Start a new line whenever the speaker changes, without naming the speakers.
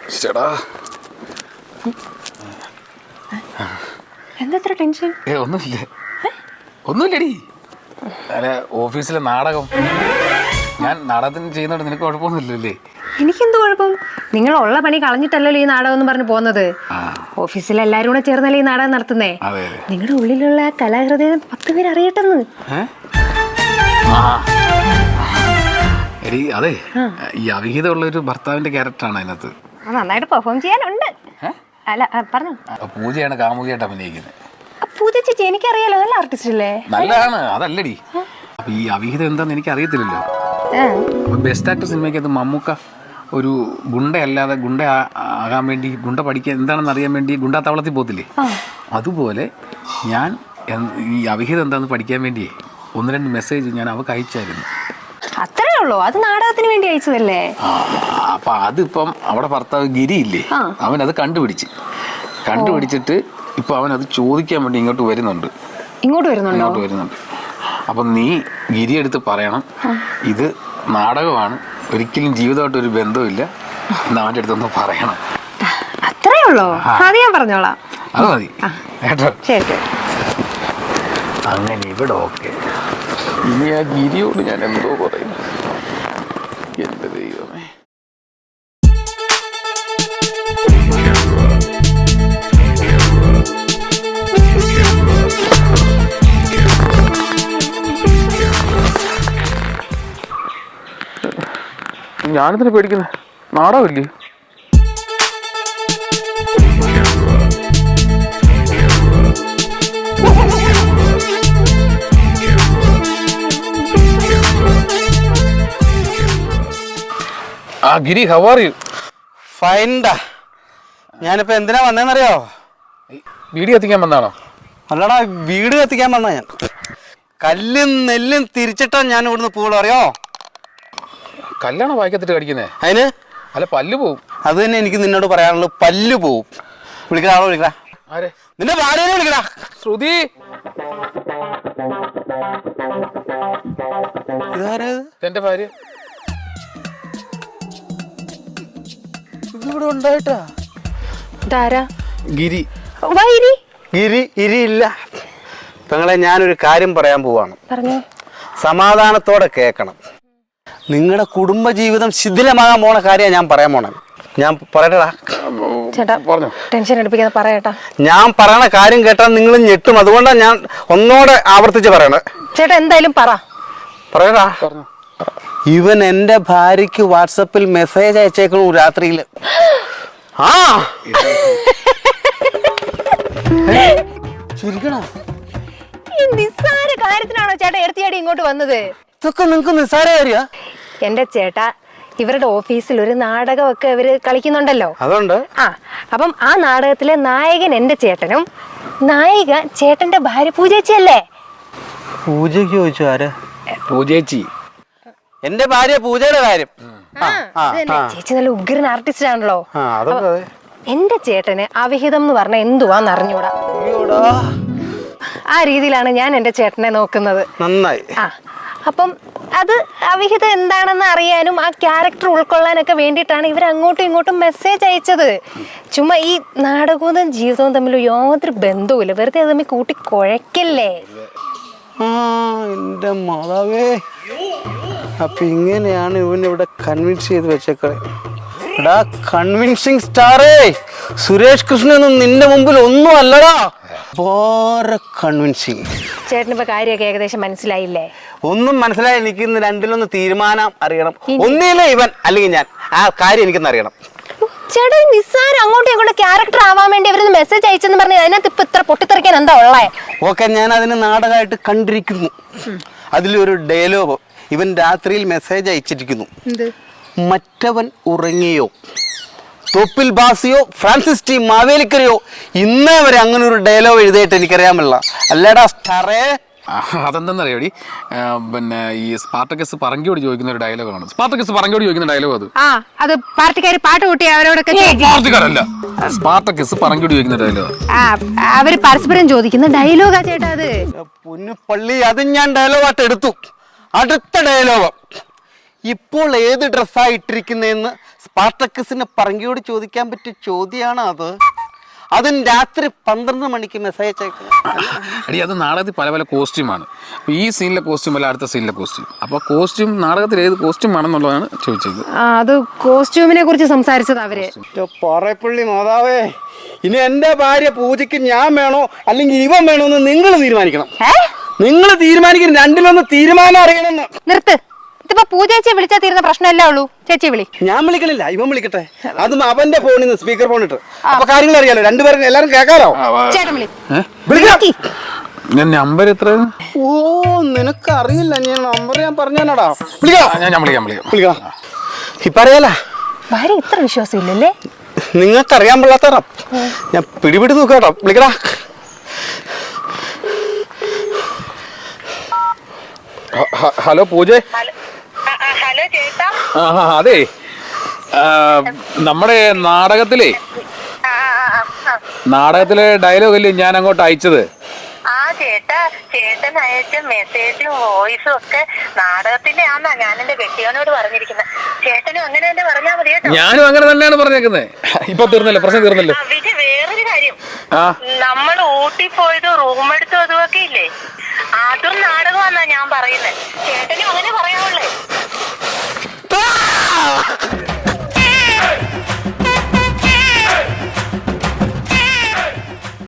ചേടാ
എന്താ ടെൻഷൻ?
ഒന്നുമില്ലടി. അല്ല, ഓഫീസിലെ നാടകം ഞാൻ നാടകത്തിന് ചെയ്യുന്നോണ്ട് നിനക്ക് കുഴപ്പമൊന്നുമില്ലല്ലേ?
എനിക്കെന്ത് കുഴപ്പം? നിങ്ങളുള്ള പണി കളഞ്ഞിട്ടല്ലോ ഈ നാടകം എന്ന് പറഞ്ഞ് പോകുന്നത്. ഓഫീസിൽ എല്ലാരും കൂടെ ചേർന്നല്ലേ ഈ നാടകം നടത്തുന്നേ. നിങ്ങളുടെ ഉള്ളിലുള്ള ആ കലാഹൃദയം 10 പേര് അറിയട്ടെന്ന്.
എടി അതെ, ഈ അവിഹിതമുള്ള ഒരു ഭർത്താവിന്റെ ക്യാരക്ടറാണ് അതിനകത്ത്.
നന്നായിട്ട് പെർഫോം ചെയ്യാനുണ്ട്. അല്ല പറഞ്ഞു.
പൂജയാണ് കാമുകിയായിട്ട് അഭിനയിക്കുന്നത്.
പൂജ ചേച്ചി എനിക്കറിയാലോ, നല്ല ആർട്ടിസ്റ്റ് അല്ലേ?
നല്ലതാണ്. അതല്ലടി, അപ്പൊ ഈ അവിഹിതം എന്താന്ന് എനിക്ക് അറിയത്തില്ലല്ലോ. ബെസ്റ്റ് ആക്ടർ സിനിമയ്ക്കകത്ത് മമ്മൂക്ക ഒരു ഗുണ്ടയല്ലാതെ ഗുണ്ട ആകാൻ വേണ്ടി, ഗുണ്ട പഠിക്കാൻ എന്താണെന്ന് അറിയാൻ വേണ്ടി ഗുണ്ടാ താവളത്തിൽ പോകത്തില്ലേ, അതുപോലെ ഞാൻ ഈ അവിഹിതം എന്താണെന്ന് പഠിക്കാൻ വേണ്ടിയേ 1-2 മെസ്സേജ് ഞാൻ അവൾക്ക് അയച്ചായിരുന്നു.
അത്രേ ഉള്ളൂ? അത് നാടകത്തിന് വേണ്ടി അയച്ചതല്ലേ?
അപ്പൊ അതിപ്പം അവിടെ ഭർത്താവ് ഗിരിയില്ലേ, അവനത് കണ്ടുപിടിച്ചിട്ട് ഇപ്പൊ അവനത് ചോദിക്കാൻ വേണ്ടി ഇങ്ങോട്ട് വരുന്നുണ്ട്.
ഇങ്ങോട്ട് വരുന്നുണ്ട്.
അപ്പൊ നീ ഗിരി എടുത്ത് പറയണം, ഇത് നാടകമാണ്, ഒരിക്കലും ജീവിതമായിട്ട് ഒരു ബന്ധമില്ല എന്ന് അവൻ്റെ അടുത്തൊന്ന് പറയണം.
അത്രേ ഉള്ളൂ? അത് ഞാൻ പറഞ്ഞോളാം.
അത് മതി കേട്ടോ.
ശരി.
അങ്ങനെ ഇവിടെ ഓക്കെ. ഇനി ആ ഗിരിയോട് ഞാൻ എന്തോ പറയും. എന്റെ ദൈവമേ. ഞാനെന്തിനാ പേടിക്കുന്നത്? നാടകമില്ലേ? Giri, how are you?
ഫൈൻഡാ. ഞാനിപ്പോ എന്തിനാ വന്നേന്നറിയോ?
വീട് കത്തിക്കാൻ വന്നാണോ?
അല്ലടാ, വീട് കത്തിക്കാൻ വന്നാ ഞാൻ. കല്ലും നെല്ലും തിരിച്ചിട്ടാ ഞാൻ ഇവിടുന്ന് പോവുള്ളൂ, അറിയോ?
കല്യാണം വായിക്കത്തിട്ട് കടിക്കുന്നേ?
അതിന്
അല്ല, പല്ല് പോവും.
അത് തന്നെ എനിക്ക് നിന്നോട് പറയാനുള്ളൂ, പല്ല് പോവും. വിളിക്കടാ, ആളോ വിളിക്കടാ.
ആരെ?
നിന്റെ ഭാര്യനെ വിളിക്കടാ.
ശ്രുതി. എന്റെ ഭാര്യ
ഇതിവിടെ ഉണ്ടായിട്ടാ.
ഗിരി.
ഗിരി ഇല്ല. പെങ്ങളെ, ഞാനൊരു കാര്യം പറയാൻ പോവാണ്.
പറഞ്ഞോ.
സമാധാനത്തോടെ കേൾക്കണം. നിങ്ങളുടെ കുടുംബജീവിതം ശിഥിലമാകാൻ പോണ കാര്യമാണ് ഞാൻ പറയാൻ പോണത്. ഞാൻ പറയട്ടാ.
ചേട്ടാ പറഞ്ഞോ, ടെൻഷൻ എടുപ്പിക്കാതെ പറയട്ടാ.
ഞാൻ പറയണ കാര്യം കേട്ടാൽ നിങ്ങൾ ഞെട്ടും. അതുകൊണ്ടാണ് ഞാൻ ഒന്നോടെ ആവർത്തിച്ച് പറയണത്.
ചേട്ടാ എന്തായാലും പറയട്ടാ.
ഇവൻ എന്റെ ഭാര്യക്ക് വാട്സപ്പിൽ മെസ്സേജ് അയച്ചേക്കണു രാത്രിയില്. ചിരിക്കണോ?
ഈ നിസ്സാര കാര്യത്തിനാണോ ചേട്ടാ എടുത്തിയാടി ഇങ്ങോട്ട് വന്നത്?
ഇതൊക്കെ നിങ്ങക്ക് നിസ്സാര കാര്യ?
എന്റെ ചേട്ടാ, ഇവരുടെ ഓഫീസിൽ ഒരു നാടകമൊക്കെ ഇവര് കളിക്കുന്നുണ്ടല്ലോ.
അതുകൊണ്ട്
അപ്പം ആ നാടകത്തിലെ നായകൻ എന്റെ ചേട്ടനും നായിക ചേട്ടന്റെ ഭാര്യ പൂജേച്ചിയല്ലേ?
പൂജയ്ക്ക് ചോദിച്ചു? ആര്?
പൂജേച്ചി.
എന്റെ ഭാര്യ പൂജയുടെ കാര്യം.
ചേച്ചി നല്ല ഉഗ്രൻ ആർട്ടിസ്റ്റ് ആണല്ലോ.
അതൊക്കെ
എന്റെ ചേട്ടന് അവിഹിതം എന്ന് പറഞ്ഞ എന്തുവാന്ന് അറിഞ്ഞൂടാ. ആ രീതിയിലാണ് ഞാൻ എന്റെ ചേട്ടനെ നോക്കുന്നത്.
നന്നായി.
അപ്പം അത് അവിഹിതം എന്താണെന്ന് അറിയാനും ആ ക്യാരക്ടർ ഉൾക്കൊള്ളാനൊക്കെ വേണ്ടിയിട്ടാണ് ഇവർ അങ്ങോട്ടും ഇങ്ങോട്ടും മെസ്സേജ് അയച്ചത്. ചുമ്മാ ഈ നാടകവും ജീവിതവും തമ്മിൽ യാതൊരു ബന്ധവുമില്ല. വെറുതെ അത് തമ്മിൽ കൂട്ടി കുഴക്കല്ലേ.
എന്റെ മാതാവേ, അപ്പൊ ഇങ്ങനെയാണ് ഇവനിവിടെ കൺവിൻസ് ചെയ്ത് വെച്ചേക്കളെ. എടാ കൺവിൻസിങ് സ്റ്റാറേ, സുരേഷ് കൃഷ്ണനൊന്നും നിന്റെ മുമ്പിൽ ഒന്നും അല്ലടാ. കൺവിൻസിങ്.
ചേട്ടനിപ്പോ കാര്യമൊക്കെ ഏകദേശം മനസ്സിലായില്ലേ?
ഒന്നും മനസ്സിലായി. എനിക്ക് ഇന്ന് രണ്ടിലൊന്ന് തീരുമാനം അറിയണം. ഒന്നില്ലേ ഇവൻ, അല്ലെങ്കിൽ ഞാൻ. ആ കാര്യം എനിക്കൊന്ന് അറിയണം.
ചേട്ടാ, നിസ്സാരം അങ്ങോട്ടും ഇങ്ങോട്ടും ക്യാരക്ടർ ആവാൻ വേണ്ടി അവരൊന്ന് മെസ്സേജ് അയച്ചെന്ന് പറഞ്ഞാൽ അതിനകത്ത് ഇപ്പൊ ഇത്ര പൊട്ടിത്തെറിക്കാൻ എന്താ ഉള്ളേ?
ഓക്കെ, ഞാൻ അതിന് നാടകമായിട്ട് കണ്ടിരിക്കുന്നു. അതിലൊരു ഡയലോഗ് ഇവൻ രാത്രിയിൽ മെസ്സേജ് അയച്ചിരിക്കുന്നു. മറ്റവൻ ഉറങ്ങിയോ, തോപ്പിൽ ബാസിയോ ഫ്രാൻസിസ് ടി മാവേലിക്കരയോ ഇന്നേ വരെ അങ്ങനെ ഒരു ഡയലോഗ് എഴുതിയിട്ട് എനിക്കറിയാമല്ല. അല്ലേടാ സ്റ്റാറേ?
അതെന്താന്നറിയോടി, പിന്നെ ഈ സ്പാർട്ടക്കസ് പറങ്കിയോട് ചോദിക്കുന്ന ഒരു ഡയലോഗാണ്. സ്പാർട്ടക്കസ് പറങ്കിയോട് ചോദിക്കുന്ന ഡയലോഗ്
അത് പാർട്ടിക്കാർ പാട്ട് കൂട്ടി അവരോടൊക്കെ.
പാർട്ടിക്കാരല്ല, സ്പാർട്ടക്കസ് പറങ്കിയോട് ചോദിക്കുന്ന ഡയലോഗ്.
അവര് പരസ്പരം ചോദിക്കുന്ന ഡയലോഗാ ചേട്ടാ അത്.
പൊന്നു പള്ളി, അത് ഞാൻ ഡയലോഗായിട്ട് എടുത്തു. അടുത്ത ഡയലോഗ് ഇപ്പോൾ ഏത് ഡ്രസ്സാ ഇട്ടിരിക്കുന്നതെന്ന് സ്പാർട്ടക്കസിന് പറങ്കിയോട് ചോദിക്കാൻ പറ്റിയ ചോദ്യമാണ് അത്. അതും രാത്രി 12 മണിക്ക് മെസ്സേജ് അയച്ചേക്കുന്നത്.
അടി അത് നാടകത്തിൽ പല പല കോസ്റ്റ്യൂമാണ്. അപ്പോൾ ഈ സീനിലെ കോസ്റ്റ്യൂം അല്ല അടുത്ത സീനിലെ കോസ്റ്റ്യൂം. അപ്പോൾ കോസ്റ്റ്യൂം നാടകത്തിൽ ഏത് കോസ്റ്റ്യൂം ആണെന്നുള്ളതാണ് ചോദിച്ചത്.
അത് കോസ്റ്റ്യൂമിനെ കുറിച്ച് സംസാരിച്ചത് അവര്.
പറയപ്പള്ളി മാതാവേ, ഇനി എൻ്റെ ഭാര്യ പൂജയ്ക്ക് ഞാൻ വേണോ അല്ലെങ്കിൽ ഇവൻ വേണോ എന്ന് നിങ്ങൾ തീരുമാനിക്കണം. നിങ്ങൾ തീരുമാനിക്കണം, രണ്ടിലൊന്ന് തീരുമാനം അറിയണമെന്ന്.
നിർത്ത്. ഇതിപ്പോ പൂജേച്ചിയെ വിളിച്ചാൽ തീരുന്ന പ്രശ്നമല്ലേ ഉള്ളൂ. ചേച്ചി വിളി.
ഞാൻ വിളിക്കണില്ല, ഇവൻ വിളിക്കട്ടെ. അതും അവന്റെ ഫോണിൽ നിന്ന് സ്പീക്കർ ഫോൺ ഇട്ട് അപ്പൊ കാര്യങ്ങൾ അറിയാലോ, രണ്ടുപേരും എല്ലാരും കേൾക്കാലോ.
ചേട്ടൻ വിളി.
ഞാൻ നമ്പർ എത്ര?
ഓ നിനക്ക് അറിയില്ല, ഞാൻ നമ്പർ ഞാൻ പറഞ്ഞാടാ. വിളിക്കാം. ഇപ്പൊ അറിയാല
ഭാര്യ ഇത്ര വിശ്വാസം ഇല്ലല്ലേ?
നിങ്ങൾക്ക് അറിയാൻ പാടില്ലാത്തടാ. ഞാൻ പിടിപിടി നോക്കാട്ടോ. വിളിക്കടാ.
ഹലോ പൂജ.
ഹലോ ചേട്ടാ.
അതെ, നമ്മുടെ നാടകത്തിലെ ഡയലോഗ് അല്ലേ ഞാൻ അങ്ങോട്ട് അയച്ചത്?
ചേട്ടാ, ചേട്ടൻ അയച്ച മെസ്സേജും വോയിസും ഒക്കെ നാടകത്തിന്റെ ആന്നാ ഞാൻ എന്റെ കെട്ടിയോനോട് പറഞ്ഞിരിക്കുന്നത്. ചേട്ടനും അങ്ങനെ തന്നെ പറഞ്ഞാൽ മതി കേട്ടോ.
ഞാനും അങ്ങനെ തന്നെയാണ് പറഞ്ഞേക്കുന്നത്. ഇപ്പൊ തീർന്നല്ലോ, പ്രശ്നം തീർന്നല്ലോ.
പിന്നെ വേറൊരു കാര്യം, നമ്മൾ ഊട്ടി പോയത് റൂം എടുത്തു അതുമൊക്കെ ഇല്ലേ, അതും നാടകമാന്നാ ഞാൻ പറയുന്നത്. ചേട്ടനും അങ്ങനെ പറയാവുള്ളേ.